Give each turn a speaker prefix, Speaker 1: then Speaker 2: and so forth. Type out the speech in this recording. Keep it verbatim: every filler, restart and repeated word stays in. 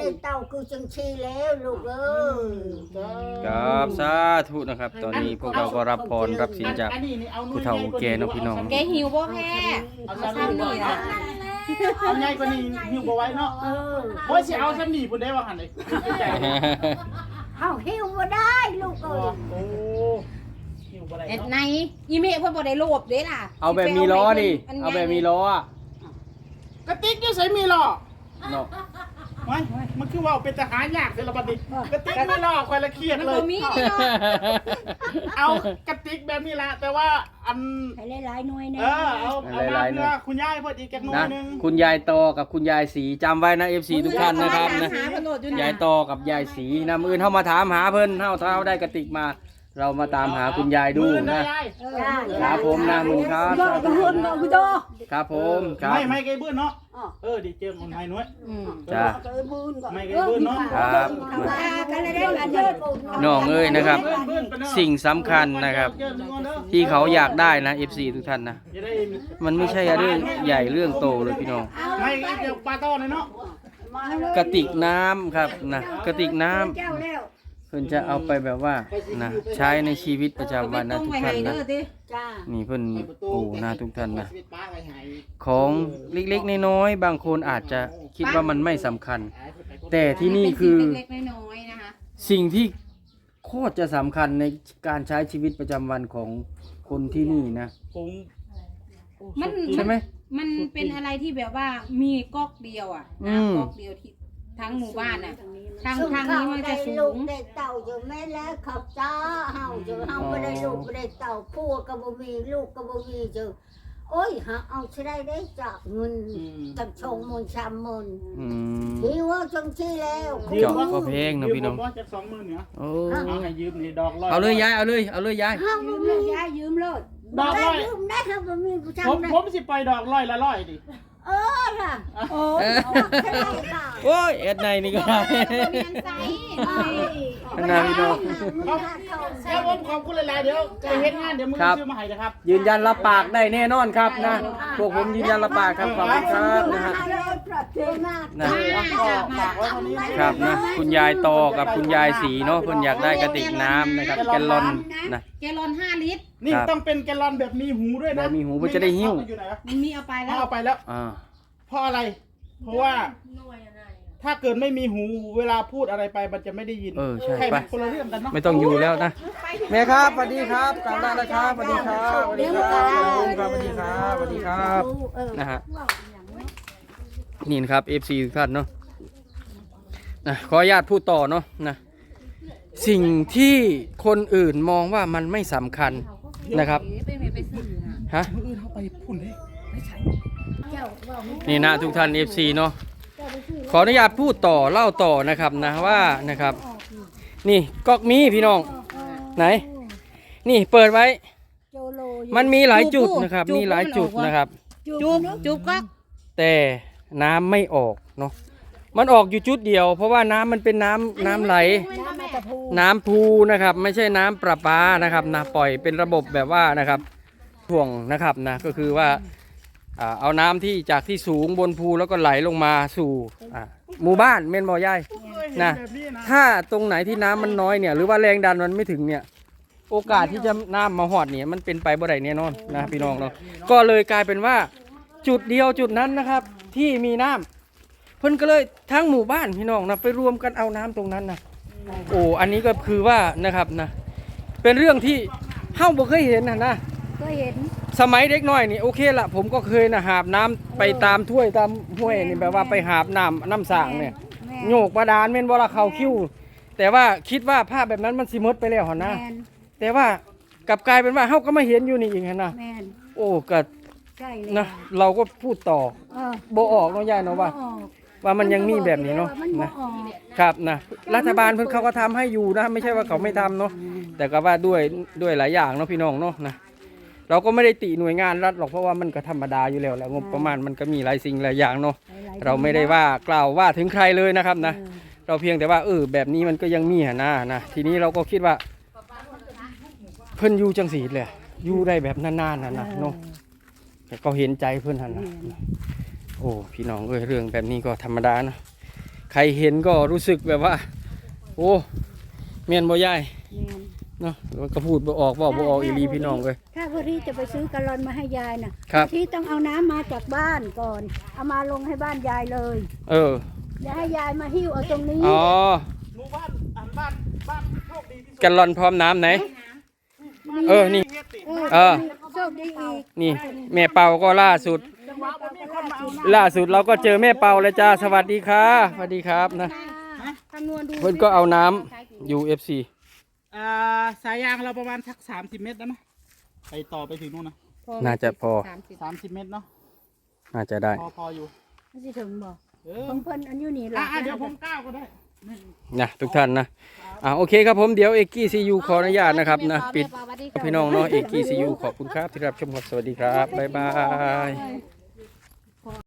Speaker 1: เต่าคือจังชีแล้วลูกเอ้ย
Speaker 2: ครับสาธุนะครับตอนนี้พวกเราก็รับพรรับศีลจากผู้เฒ่าผู้แก่เนาะพี่น้อง
Speaker 3: แกหิวบ่แพ้
Speaker 4: เอา
Speaker 3: เอา
Speaker 4: ซ้ำ
Speaker 3: ซ้ำ
Speaker 4: นี่
Speaker 3: นี่
Speaker 4: นะ
Speaker 3: นะ
Speaker 4: เอาใหญ่กว่านี้หิวบ่ไหว้เนาะ
Speaker 1: เออ
Speaker 4: โอ้ยสิเอาซ้ำนี่พุ่นได้ว่าหั่นเลย
Speaker 1: เฮาหิวบ่ได้ลูกเอ้ย
Speaker 4: โอ้หิวบ่ได้
Speaker 3: เอ็ด
Speaker 4: เนาะ
Speaker 3: ในอีเมฆเพิ่นบ่ได้โลภเด้ล่ะ
Speaker 2: เอาแบบมีล้อดิเอาแบบมีล้ออะ
Speaker 4: กระติกอยู่ไสมีหรอ
Speaker 2: เนาะ
Speaker 4: ไว้มันคือว่าเป็นทหารยากเด้อละบัดนี้กระติกมีหรอคอยละเครียด
Speaker 3: มัน
Speaker 4: เล
Speaker 3: บ่
Speaker 4: ย
Speaker 3: มีเนาะ
Speaker 4: เอากระติกแบบนี้ละแต่ว่าอัน
Speaker 1: ให้หลายๆหน่วยแน่
Speaker 4: เออเอาเอามาเพื่อคุณยายเพิ่นอีกจักหน่อ
Speaker 2: นะ
Speaker 4: ยนึง
Speaker 2: คุณยายตอกับคุณยายสีจำไว้นะ เอฟ ซี ทุกท่านนะครับนะ
Speaker 3: หาเพิ่นโลดอยู่
Speaker 2: ยาย
Speaker 3: นะ
Speaker 2: ตอกับยายสีนะมื้ออื่นเฮามาถามหาเพิ่นเฮาถ้าเฮาได้กระติกมา เรามาตามหาคุณยายดู
Speaker 4: มื้อ
Speaker 2: นะ
Speaker 4: ยาย
Speaker 2: ครับผมนะมึงครับ
Speaker 1: ก็ก็เฮือนกูโต
Speaker 2: ครับผมครับ
Speaker 4: ไม่ไม่ไกลบื้นเนาะเออดิเจิงคนไทยน้อย
Speaker 3: อืม
Speaker 2: จ้า
Speaker 1: ก็มือนก็
Speaker 4: ไม่ไกลบื้นเนาะ
Speaker 2: ครับ
Speaker 1: กันได้กันเด้อ
Speaker 2: น้องเอ้ยนะครับ
Speaker 4: บื้นๆไปเนาะ
Speaker 2: สิ่งสำคัญนะครับ
Speaker 4: เจิงหนึ่งก่อนเด้อ
Speaker 2: ที่เขาอยากได้นะ เอฟ ซี ทุกท่านนะ
Speaker 4: จะได้
Speaker 2: มันไม่ใช่เรื่องใหญ่เรื่องโตเลยพี่น้อง
Speaker 4: ไม่เดี๋ยวปลาต้อเลยเนาะ
Speaker 2: กระติกน้ำครับนะกระติกน้ำ
Speaker 1: เจ้าแล้ว
Speaker 2: เพิ่นจะเอาไปแบบว่านะใช้ในชีวิตประจำวันนะทุกท่านนะ
Speaker 1: จ้า
Speaker 2: นี่เพิ่นโอ้นะทุกท่านนะ
Speaker 4: ปลาไว้ให้
Speaker 2: ของเล็กๆน้อยๆบางคนอาจจะคิดว่ามันไม่สำคัญ แต่ที่นี่คือ
Speaker 3: เล็กๆน้อยๆนะคะ
Speaker 2: สิ่งที่โคตรจะสำคัญในการใช้ชีวิตประจำวันของคนที่นี่นะ
Speaker 4: ผม
Speaker 3: มัน
Speaker 2: ใช่ไหม
Speaker 3: มันเป็นอะไรที่แบบว่ามีก๊อกเดียวอ่ะ
Speaker 2: อืม
Speaker 3: น้ำก๊อกเดียวที่ทั้งหมู่บ้านอ่ะทาง
Speaker 1: ซึ่
Speaker 3: ทาง
Speaker 1: เขา
Speaker 3: นี้มัน
Speaker 1: ได้
Speaker 3: จะสู
Speaker 1: ลูก
Speaker 3: ง
Speaker 1: ได้เต่าอยู่แม่แล้วเขาจ้าเฮาเจอเฮาบ่ได้ลูกบ่ได้เต่าผัวก็บ่มีลูกก็บ่มีเจอโอ้ยหาเอาสิได้ได้จากเงินตั้งชงมูลชามมูล
Speaker 2: อืม
Speaker 1: ดีว่าจังซี่แล้ว
Speaker 2: เจาะก็เพลงนะพี่น้อง
Speaker 4: ยืมผมว่าจากสองหมื่นเนี่ย
Speaker 2: โอ้
Speaker 4: เอาให้ยืมนี่ดอกร้อย
Speaker 2: เอาเลยยายเอาเลยเอาเลยยาย
Speaker 1: เฮาบ่มียายยืมเลย
Speaker 4: ดอกร้อย
Speaker 1: ยืมได้เฮาบ่มีผู้ชาย
Speaker 4: ผมผมสิไปดอกร้อยละร้อยดิ
Speaker 1: เออล่ะโอ้
Speaker 2: เออ
Speaker 1: ใช่ค่ะ
Speaker 2: โอ้ยเอ็ดในนี่ก็ได้
Speaker 3: เรียนไซ
Speaker 2: อันนั้นพี่น้อง
Speaker 4: เดี๋ยวผมขอบคุณหลายๆเดี๋ยวไปเฮ็ดงานเดี๋ยวมึง
Speaker 2: ครับ
Speaker 4: ซื้อมาให้นะครับ
Speaker 2: ยืนยันรับปากได้แน่นอนครับนะพวกผมยืนยันรับปากครับขอบคุณครับนะฮะนะ
Speaker 4: ก็ฝากไว้เท่านี้
Speaker 2: ครับนะคุณยายตอกับคุณยายสีเนาะเพิ่นอยากได้กระติกน้ำนะครับแกลลอนนะ
Speaker 3: แกลลอนห้าลิตร
Speaker 4: นี่
Speaker 2: ครับ
Speaker 4: ต้องเป็นแกลลอนแบบมีหูด้วยนะ
Speaker 2: แบบมีหูเพื่อจะได้หิ้ว
Speaker 4: อยู่ไหนวะ
Speaker 3: มันมีเอาไปแล้ว
Speaker 4: เอาไปแล้ว
Speaker 2: อ่า
Speaker 4: เพราะอะไร เพราะว่า ถ้าเกิดไม่มีหูเวลาพูดอะไรไปมันจะไม่ได้ยิน
Speaker 2: เออใช่
Speaker 4: ใช่
Speaker 2: ไป
Speaker 4: มันคนละเรื่องกันเนาะ
Speaker 2: ไม่ต้องอยู่แล้วนะแม่ครับสวัสดีครับกลับได้แล้วครับสวัสดีครับสวัสดีครับลุงครับสวัสดีครับสวัสดีครับนะฮะนี่นะครับ เอฟ ซี ทุกท่านเนาะนะขออนุญาตพูดต่อเนาะนะสิ่งที่คนอื่นมองว่ามันไม่สำคัญนะครับ
Speaker 3: เป็นไปซื้อนะ
Speaker 2: ฮะ
Speaker 4: มืออื่นเขาไปพุ่นเลยไม่ใช่
Speaker 2: นี่นะทุกท่าน เอฟ ซี เนาะขออนุญาตพูดต่อเล่าต่อนะครับนะว่านะครับ นี่ก๊อกมีพี่น้องไหน นี่เปิดไว้ มันมีหลายจุดนะครับ มีหลายจุดนะครับ
Speaker 3: จุบจุบก็
Speaker 2: แต่น้ำไม่ออกเนาะมันออกอยู่จุดเดียว เพราะว่าน้ำมันเป็นน้ำน้ำไหล น้ำพูนะครับ ไม่ใช่น้ำประปานะครับนะปล่อยเป็นระบบแบบว่านะครับถ่วงนะครับนะก็คือว่าอ่าเอาน้ำที่จากที่สูงบนภูแล้วก็ไหลลงมาสู่อ่าหมู่บ้านเม่นบ่อยายนะถ้าตรงไหนที่น้ำมันน้อยเนี่ยหรือว่าแรงดันมันไม่ถึงเนี่ยโอกาสที่จะน้ำมาหอดเนี่ยมันเป็นไปบ่ได้แน่นอนนะพี่น้องเนาะก็เลยกลายเป็นว่าจุดเดียวจุดนั้นนะครับที่มีน้ำเพิ่นก็เลยทั้งหมู่บ้านพี่น้องนะไปรวมกันเอาน้ำตรงนั้นนะโอ้อันนี้ก็คือว่านะครับนะเป็นเรื่องที่เฮาบ่เคยเห็นนะนะ
Speaker 1: ก็เห็น
Speaker 2: สมัยเด็กน้อยนี่โอเคละผมก็เคยนะหาบน้ำไปตามถ้วยตามห้วยนี่แบบว่าไปหาบน้ำน้ำสางเนี่ยโยกบาดาลเม่นบ่ละเขาคิ้วแต่ว่าคิดว่าภาพแบบนั้นมันสิหมดไปแล้วหั่นนะ
Speaker 1: แมน
Speaker 2: แต่ว่ากลับกลายเป็นว่าเฮาก็มาเห็นอยู่นี่อีกหั่นนะ
Speaker 1: แมน
Speaker 2: โอ้ก็
Speaker 1: ใช่เลย
Speaker 2: นะเราก็พูดต่อ
Speaker 1: เออ
Speaker 2: บ่ออกเนาะยายเนาะว่า
Speaker 1: ออก
Speaker 2: ว่ามันยังมีแบบนี้เนาะ
Speaker 1: มันบ่
Speaker 2: นะ
Speaker 1: ออก
Speaker 2: ครับนะรัฐบาลเพิ่นเขาก็ทำให้อยู่นะไม่ใช่ว่าเขาไม่ทำเนาะแต่ก็ว่าด้วยด้วยหลายอย่างเนาะพี่น้องเนาะนะเราก็ไม่ได้ติหน่วยงานรัฐหรอกเพราะว่ามันก็ธรรมดาอยู่แล้วแหละงบประมาณมันก็มีหลายสิ่งหลายอย่างเนาะ
Speaker 1: หลายๆ
Speaker 2: เราไม่ได้ว่ากล่าวว่าถึงใครเลยนะครับนะเราเพียงแต่ว่าเออแบบนี้มันก็ยังมีหนนะนะทีนี้เราก็คิดว่าเพิ่นอยู่จังสีเลยอยู่ได้แบบนานๆนะนะเนาะแต่ก็เห็นใจเพิ่นหันนะโอ้พี่น้องเอ้ยเรื่องแบบนี้ก็ธรรมดานะใครเห็นก็รู้สึกแบบว่า โอ้เมียนบ่ยาย
Speaker 5: แม่น
Speaker 2: เนาะมันก็พูดบ่ออกบอกบ่ออกอีหลีพี่น้องเลย
Speaker 5: ถ้าพอที่จะไปซื้อกะลอนมาให้ยายน่ะ
Speaker 2: ครับ
Speaker 5: ที่ต้องเอาน้ำมาจากบ้านก่อน เอามาลงให้บ้านยายเลย
Speaker 2: เออ
Speaker 5: อย่าให้ยายมาหิ้วเอาตรงนี้
Speaker 2: อ๋อ
Speaker 4: หมู่บ้านอันบ้านบ้านที่โชคดีที่สุด
Speaker 2: แกันลอนพร้อมน้ำไหน เออนี่
Speaker 4: เฮ็ดสิ
Speaker 2: เออ
Speaker 5: โชคดีอีก
Speaker 2: นี่แม่เปาก็ล่าสุด
Speaker 4: จังหวะบ่มีคนมาเอาน้
Speaker 2: ล่าสุดเราก็เจอแม่เปาแล้วจ้าสวัสดีค่ะสวัสดีครับนะ
Speaker 3: คำนวณดู
Speaker 2: เพิ่นก็เอาน้ำ ยู เอฟ ซี
Speaker 4: ำอ่าสายยางเราประมาณสักสามสิบเมตรได้ไหมไปต่อไปถึงนู่นนะ
Speaker 2: น่าจะพอ
Speaker 3: สามสิบ
Speaker 4: สามสิบเมตรเนาะ
Speaker 2: น่าจะได้
Speaker 4: พอพออยู่
Speaker 5: ไม่ใช่ถึงบอก
Speaker 4: เออ
Speaker 5: ของเพิ่นอันอยู่นี่
Speaker 4: อ่ะ
Speaker 5: ล่ะ
Speaker 4: อ่ะเดี๋ยวผมก้าวก็ได้
Speaker 2: นะทุกท่านนะอ่าโอเคครับผมเดี๋ยวเอกกี้ซียูขออนุญาตนะครับนะปิดพี่น้องเนาะเอกกี้ซียูขอบคุณครับที่รับชมครับสวัสดีครับบ๊ายบาย